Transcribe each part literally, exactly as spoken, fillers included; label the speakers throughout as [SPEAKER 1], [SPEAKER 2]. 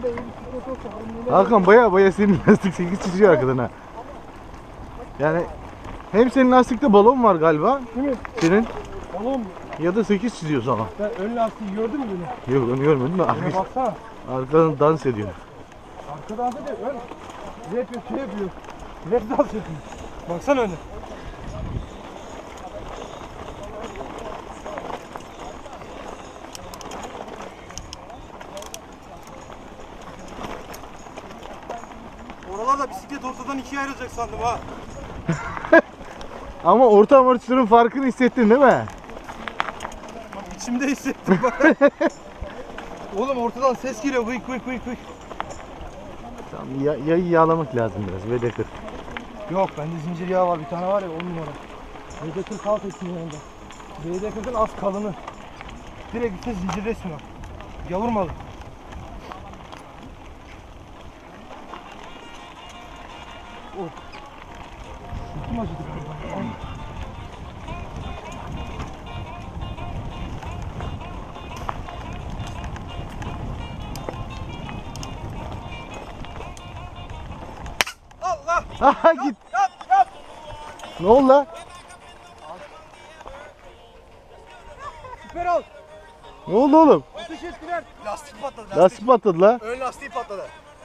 [SPEAKER 1] Hakan baya baya senin lastik sekiz çiziyor arkadan ha. Yani hem senin lastikte balon var galiba.
[SPEAKER 2] Kimin?
[SPEAKER 1] Senin.
[SPEAKER 2] Balon mu?
[SPEAKER 1] Ya da sekiz çiziyor sana.
[SPEAKER 2] Sen ön lastiği gördün mü beni?
[SPEAKER 1] Yok onu görmedim de
[SPEAKER 2] Şuna baksana.
[SPEAKER 1] arkadan dans ediyor.
[SPEAKER 2] Arka dans ediyor. Ön. Ne yapıyor? Şey yapıyor. Rap dans yapıyor. Baksana öne. Oralarda bisiklet ortadan ikiye ayrılacak sandım ha.
[SPEAKER 1] Ama orta amortisörün farkını hissettin değil mi?
[SPEAKER 2] Bak içimde hissettim bak. Oğlum ortadan ses geliyor. Vıy vıy vıy vıy.
[SPEAKER 1] Tamam, ya, yayı yağlamak lazım biraz. V D kırk.
[SPEAKER 2] Yok bende zincir yağı var bir tane var ya on numara. V D kırk alt etsin yanında. V D kırkın az kalını. Direkt üstüne zincir resmi var. Gavur malı. Oh. Sırtım acıdı. Allah!
[SPEAKER 1] Aha git.
[SPEAKER 2] Yap yap!
[SPEAKER 1] Ne oldu lan?
[SPEAKER 2] Süper ol!
[SPEAKER 1] Ne oldu oğlum?
[SPEAKER 2] Ateş ettiler. Lastik patladı. Lastik.
[SPEAKER 1] Lastik patladı la.
[SPEAKER 2] Ön lastiği patladı.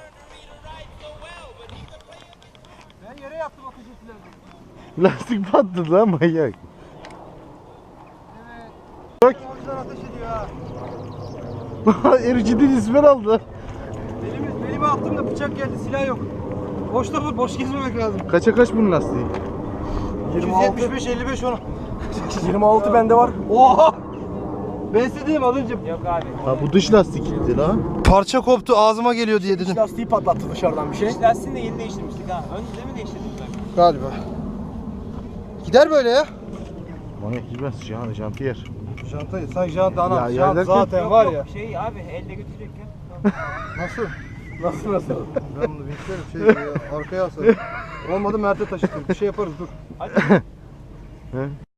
[SPEAKER 2] Ben yere yattım ateş ettiler.
[SPEAKER 1] Lastik patladı la manyak.
[SPEAKER 2] Evet.
[SPEAKER 1] Bak.
[SPEAKER 2] Avcılar ateş ediyor ha.
[SPEAKER 1] Ericiden ismer aldı.
[SPEAKER 2] Elimi, elime attım da bıçak geldi, silah yok. Boşta vur, boş gezmemek lazım.
[SPEAKER 1] Kaça kaç bunun lastiği?
[SPEAKER 2] yüz yetmiş beş elli beş onu. yirmi altı bende var. Oha! Ben size dedim az önce. Yok abi.
[SPEAKER 1] Ha bu dış lastikti la.
[SPEAKER 2] Parça koptu ağzıma geliyor diye dedim.
[SPEAKER 3] Lastiği patlattı dışarıdan bir şey.
[SPEAKER 4] İç lastiğini de yeni değiştirmiştik ha. Önce mi değiştirdik bak?
[SPEAKER 2] Galiba. Gider böyle ya.
[SPEAKER 1] Manyak gitmez Jean, Jean Pierre.
[SPEAKER 2] Jantayı, sen jant ana.
[SPEAKER 1] Ya,
[SPEAKER 2] Jant
[SPEAKER 1] yerlerken-
[SPEAKER 2] zaten
[SPEAKER 4] Yok,
[SPEAKER 2] var
[SPEAKER 4] yok,
[SPEAKER 2] ya.
[SPEAKER 4] Şey abi elde götürecek ya.
[SPEAKER 2] Nasıl? Nasıl nasıl? Ben bunu beklerim şey ya, arkaya asarım. Olmadı Mert'e taşıtırım. Bir şey yaparız dur.
[SPEAKER 4] Hadi.
[SPEAKER 1] He?